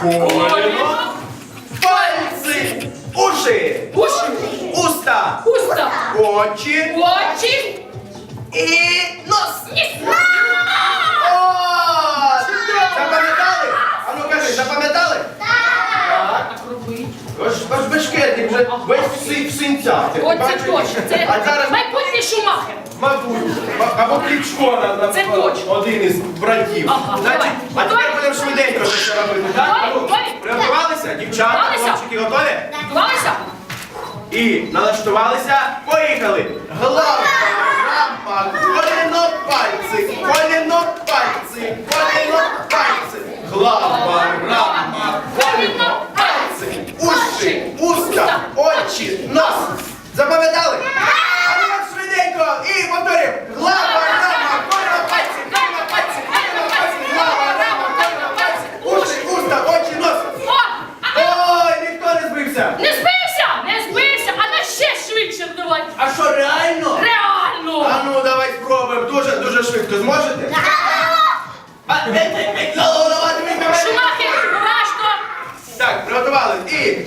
коліно, пальці, уші, уста, очі і нос. О! Запам'ятали? А ну кажи, запам'ятали? Так. Ваш бешкетник вже весь в синцях. Оце точно. Це А зараз майбутній Шумахер. мабуть, або Кличко Це точно. один із братів. Ага, Значить, давай. а тепер будемо швиденько це все робити, так? Готові? Ну, Готові? приготувалися? Дівчата, Готувалися? хлопчики готові? Готувалися? І налаштувалися, поїхали! Глава, рама, коліно, пальці, коліно, пальці, коліно, пальці. Глава, рама, коліно, пальці, уші, уста, очі, нос. Запам'ятали? А ну так швиденько і повторюємо. Глава, рама, коліно, пальці, коліно, пальці, коліно, пальці. Глава, рама, коліно, пальці, уші, уста, очі, нос. Ой, ніхто не збився. Не збився, а на ще швидше давай. А що, реально? Реально. А ну, давай спробуємо. Дуже швидко. Зможете? Шумахер! Шумахер, уважно. Так, приготувались. І